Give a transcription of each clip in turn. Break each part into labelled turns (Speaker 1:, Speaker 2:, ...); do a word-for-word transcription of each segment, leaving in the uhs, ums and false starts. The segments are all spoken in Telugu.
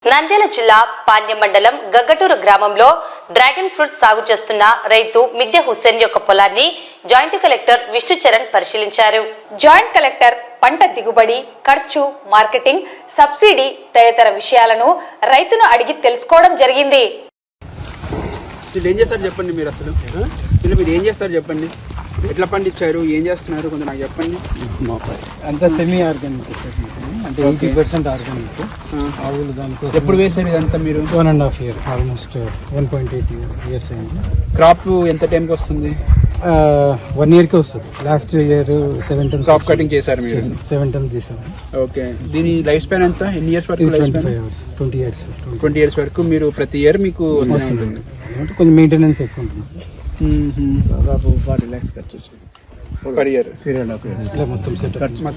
Speaker 1: నంద్యాల జిల్లా పాణ్యం మండలం గగ్గటూరు గ్రామంలో డ్రాగన్ ఫ్రూట్ సాగు చేస్తున్న రైతు మిద్దె హుస్సేన్ యొక్క పొలాన్ని జాయింట్ కలెక్టర్ విష్ణు చరణ్ పరిశీలించారు. జాయింట్ కలెక్టర్ పంట దిగుబడి, ఖర్చు, మార్కెటింగ్, సబ్సిడీ తదితర విషయాలను రైతును అడిగి తెలుసుకోవడం జరిగింది.
Speaker 2: ఏం చేస్తారు చెప్పండి, మీరు అసలు ఇలా మీరు ఏం చేస్తారు చెప్పండి, ఎట్లా పండించారు, ఏం చేస్తున్నారు కొంచెం నాకు చెప్పండి.
Speaker 3: అంతా సెమీ ఆర్గానిక్ అంటే ఎయిటీ పర్సెంట్ ఆర్గానిక్. ఆవులు దానికోసం
Speaker 2: ఎప్పుడు వేసారు ఇదంతా మీరు?
Speaker 3: One and half year almost one point eight years అయింది.
Speaker 2: క్రాప్ ఎంత టైంకి వస్తుంది?
Speaker 3: వన్ ఇయర్కి వస్తుంది. Last year seven tons
Speaker 2: crop cutting చేశారు మీరు?
Speaker 3: సెవెన్ టన్స్ చేశారు.
Speaker 2: ఓకే, దీని లైఫ్ స్పాన్ ఎంత, ఎన్ని ఇయర్స్ వరకు?
Speaker 3: Twenty five years twenty years
Speaker 2: twenty years వరకు మీరు ప్రతి ఇయర్ మీకు వస్తుంది.
Speaker 3: అంటే కొంచెం మెయింటెనెన్స్ ఎక్కువ ఉంటుంది.
Speaker 2: దాదాపు ఫార్టీ ల్యాక్స్ ఖర్చు వచ్చింది per year. Three and half years
Speaker 3: ఇట్లా మొత్తం సెట్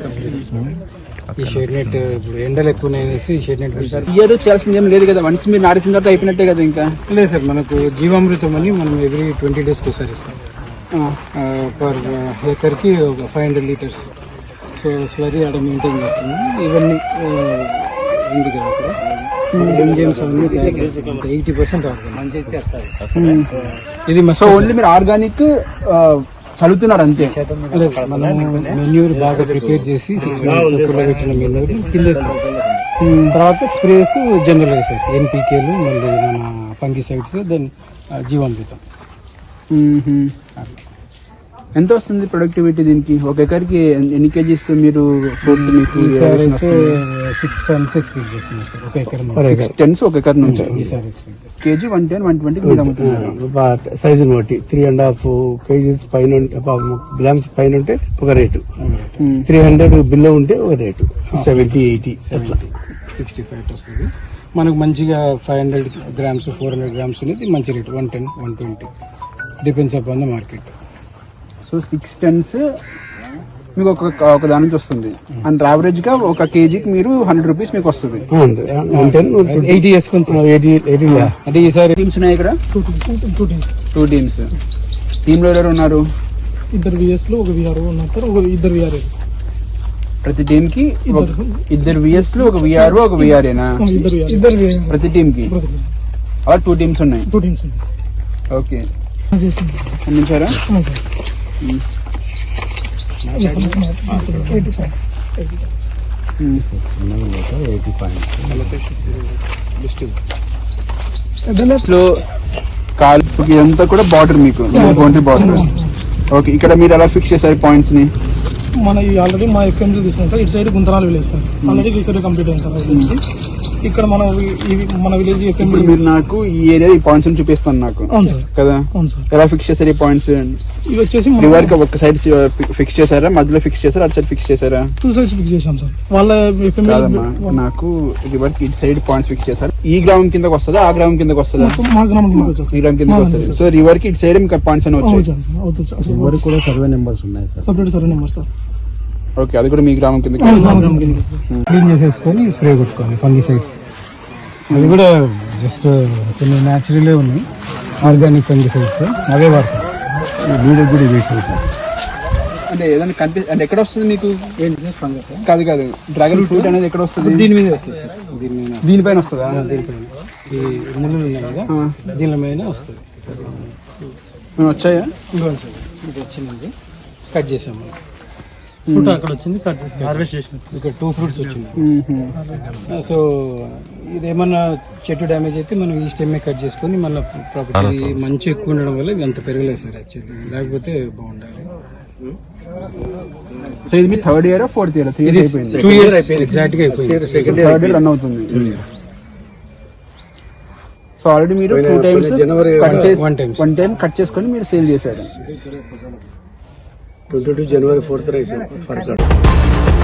Speaker 3: ఈ షేడ్ నెట్ ఇప్పుడు ఎండలు ఎక్కువ అనేసి ఈ షేడ్ నెట్
Speaker 2: ఇయర్ చేయాల్సింది ఏం లేదు కదా, వన్స్ మీరు నాటిసిన తర్వాత అయిపోయినట్టే కదా. ఇంకా
Speaker 3: లేదు సార్, మనకు జీవామృతం అని మనం ఎవ్రీ ట్వంటీ డేస్కి ఒకసారి ఇస్తాం. పర్ ఏకర్కి ఒక five hundred litres. So slurry ఆడ మెయింటైన్ చేస్తున్నాం. ఇవన్నీ ఉంది కదా అక్కడ ఎయిటీ పర్సెంట్ ఆర్గానిక్. ఇది
Speaker 2: సో ఓన్లీ మీరు ఆర్గానిక్ చదువుతున్నారు అంతే?
Speaker 3: మనం మెన్యూర్ బాగా ప్రిపేర్ చేసి పెట్టిన మెన్యూర్ కింద తర్వాత స్ప్రేస్ జనరల్ సార్ ఎన్పీకేలు, మళ్ళీ మన ఫంగిసైడ్స్, దెన్ జీవామృతం.
Speaker 2: ఎంత వస్తుంది ప్రొడక్టివిటీ దీనికి? ఒక ఎకర్కి ఎన్ని కేజీస్ మీరు మీకు?
Speaker 3: సిక్స్ టన్స్ ఎక్స్పెక్ట్ చేస్తున్నాం సార్ ఒక ఎకర్.
Speaker 2: సిక్స్ టన్స్ ఒక ఎకర్ నుంచి. Kg one ten one twenty మీరు అమ్ముతున్నారు.
Speaker 4: సైజుని బట్టి త్రీ అండ్ హాఫ్ కేజీస్ పైన గ్రామ్స్ పైన ఉంటే ఒక రేటు, త్రీ హండ్రెడ్ బిలో ఉంటే ఒక rate, seventy eighty
Speaker 3: sixty five వస్తుంది. మనకు మంచిగా five hundred grams four hundred grams అనేది మంచి rate, one ten one twenty depends upon the market.
Speaker 2: So six tons మీకు ఒక ఒక దాని నుంచి వస్తుంది. అండ్ యావరేజ్ గా ఒక కేజీకి మీరు హండ్రెడ్ రూపీస్ మీకు వస్తుంది.
Speaker 3: ఎయిటీ అంటే ఈసారి
Speaker 2: టీమ్స్ ఉన్నాయి ఇక్కడ? Two teams. టీమ్ లో ఎవరు ఉన్నారు?
Speaker 5: ఇద్దరు విఎస్ లో ఒక విఆర్ఓ ఉన్నారు సార్, ఒక ఇద్దరు విఆర్ఏ.
Speaker 2: ప్రతి టీమ్ కి ఇద్దరు విఎస్ లో ఒక విఆర్ఓ ఒక విఆర్ఏనా?
Speaker 5: ఇద్దరు
Speaker 2: ప్రతి టీమ్ కి అలా టూ టీమ్స్ ఉన్నాయి.
Speaker 5: టూ టీమ్స్ ఉన్నాయి.
Speaker 2: ఓకే, అందించారా? కాలు ఇదంతా కూడా బార్డర్ మీకు బౌండరీ బార్డర్. ఓకే, ఇక్కడ మీరు ఎలా ఫిక్స్ చేశారు పాయింట్స్ ని?
Speaker 5: మన ఆల్రెడీ మా ఎఫ్ఎంలో తీసుకున్నాం సార్. ఇటు side Guntanalu village sir, already ఇక్కడ కంప్లీట్ అయింది సార్ విలేజ్. ఇక్కడ మన మన విలేజ్ ఎఫ్ఎం
Speaker 2: మీరు నాకు ఈ ఏరియా ఈ పాయింట్స్ చూపిస్తాను నాకు కదా. ఎలా ఫిక్స్ చేశారు ఈ పాయింట్స్?
Speaker 5: ఇవి వచ్చేసి
Speaker 2: రివర్ కి ఒక సైడ్ ఫిక్స్ చేశారా, మధ్యలో ఫిక్స్ చేశారా, అటు సైడ్ ఫిక్స్ చేశారా?
Speaker 5: టూ సైడ్స్ ఫిక్స్ చేశాం సార్. వాళ్ళ ఎఫ్ఎం
Speaker 2: నాకు రివర్ కి ఇటు సైడ్ పాయింట్స్ ఫిక్స్ చేశారు. ఈ గ్రామం కిందకి వస్తుందా, ఆ గ్రామం కిందకి వస్తుందా?
Speaker 5: మా గ్రామం కిందకి వచ్చేసి
Speaker 2: ఈ గ్రామం కిందకి వస్తుంది. సో రివర్ కి ఇటు సైడ్ మీకు పాయింట్స్ అని వచ్చాయి.
Speaker 3: రివర్ కూడా సర్వే నెంబర్స్ ఉన్నాయి sir,
Speaker 5: separate survey number sir.
Speaker 2: Okay, అది కూడా మీ గ్రామం కిందకి
Speaker 3: క్లీన్ చేసేసుకొని స్ప్రే కొట్టుకోవాలి ఫంగిసైడ్స్. అది కూడా జస్ట్ కొన్ని న్యాచురలే ఉన్నాయి, ఆర్గానిక్ ఫంగిసైడ్స్ అవే వాడతాం. వీడియో కూడా వేసాం సార్.
Speaker 2: అంటే ఏదైనా కనిపి అంటే ఎక్కడ వస్తుంది మీకు?
Speaker 3: ఏంటి సార్ ఫంగస్?
Speaker 2: కాదు కాదు, డ్రాగన్ ఫ్రూట్ అనేది ఎక్కడ వస్తుంది?
Speaker 3: దీని మీద వస్తుంది సార్. దీని మీద
Speaker 2: దీనిపైన వస్తుందా?
Speaker 3: దీనిపైన ఈ ముళ్ళు ఉన్నాయి కదా, దీని మీద వస్తుంది.
Speaker 2: వచ్చాయా?
Speaker 3: ఇది వచ్చిందండి, కట్ చేసాము. ఫ్రూట్ అక్కడ వచ్చింది, కట్ హార్వెస్ట్ చేసాం. ఇక్కడ టూ ఫ్రూట్స్ వచ్చింది. సో ఇదేమన్నా చెట్టు డ్యామేజ్ అయితే మనం ఈ స్టెమ్ కట్ చేసుకొని మళ్ళీ ప్రాపర్టీ మంచి ఎక్కువ ఉండడం వల్ల ఇవి అంత పెరగలేదు సార్. యాక్చువల్లీ లేకపోతే బాగుండాలి.
Speaker 2: సో ఇది మీ third year fourth year? Three years అయిపోయింది.
Speaker 3: టూ ఇయర్స్ అయిపోయింది ఎగ్జాక్ట్ గా అయిపోయింది.
Speaker 2: సెకండ్ ఇయర్ రన్ అవుతుంది. సో ఆల్రెడీ మీరు two times one time cut చేసుకొని మీరు సేల్ చేశారు.
Speaker 4: Twenty two January fourth rice for